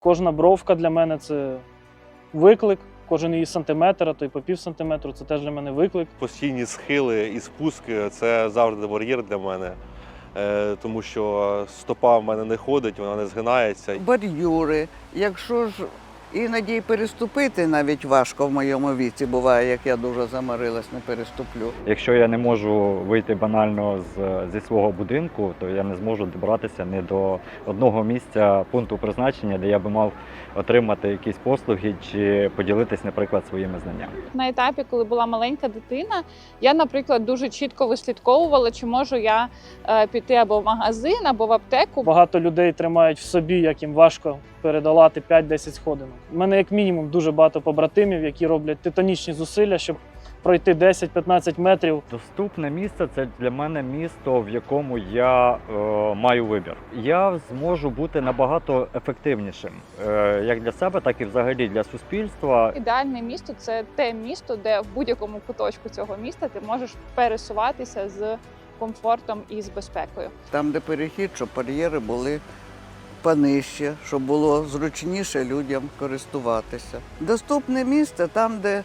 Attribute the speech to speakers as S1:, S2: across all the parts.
S1: Кожна бровка для мене – це виклик, кожен її сантиметр, а то й по пів сантиметру – це теж для мене виклик.
S2: Постійні схили і спуски – це завжди бар'єр для мене, тому що стопа в мене не ходить, вона не згинається.
S3: Бордюри. Якщо ж іноді й переступити навіть важко в моєму віці буває, як я дуже заморилась, не переступлю.
S4: Якщо я не можу вийти банально зі свого будинку, то я не зможу добратися ні до одного місця пункту призначення, де я би мав отримати якісь послуги чи поділитись, наприклад, своїми знаннями.
S5: На етапі, коли була маленька дитина, я, наприклад, дуже чітко вислідковувала, чи можу я піти або в магазин, або в аптеку.
S1: Багато людей тримають в собі, як їм важко передолати 5-10 сходинок. У мене як мінімум дуже багато побратимів, які роблять титанічні зусилля, щоб пройти 10-15 метрів.
S4: Доступне місце – це для мене місто, в якому я маю вибір. Я зможу бути набагато ефективнішим, як для себе, так і взагалі для суспільства.
S5: Ідеальне місто – це те місто, де в будь-якому куточку цього міста ти можеш пересуватися з комфортом і з безпекою.
S3: Там, де перехід, щоб бар'єри були понижче, щоб було зручніше людям користуватися. Доступне місце там, де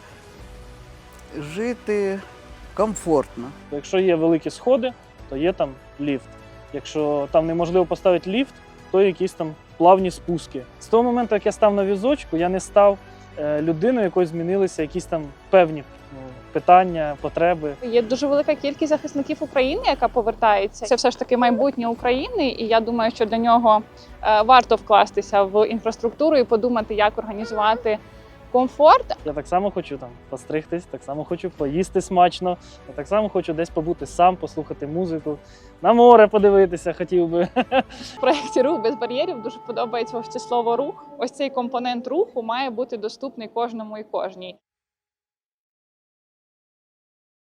S3: жити комфортно.
S1: Якщо є великі сходи, то є там ліфт. Якщо там неможливо поставити ліфт, то якісь там плавні спуски. З того моменту, як я став на візочку, я не став людиною, якою змінилися якісь там певні питання, потреби.
S5: Є дуже велика кількість захисників України, яка повертається. Це все ж таки майбутнє України, і я думаю, що для нього варто вкластися в інфраструктуру і подумати, як організувати комфорт.
S1: Я так само хочу там постригтись, так само хочу поїсти смачно, я так само хочу десь побути сам, послухати музику, на море подивитися хотів би.
S5: В проєкті «Рух без бар'єрів» дуже подобається ось це слово «рух». Ось цей компонент руху має бути доступний кожному і кожній.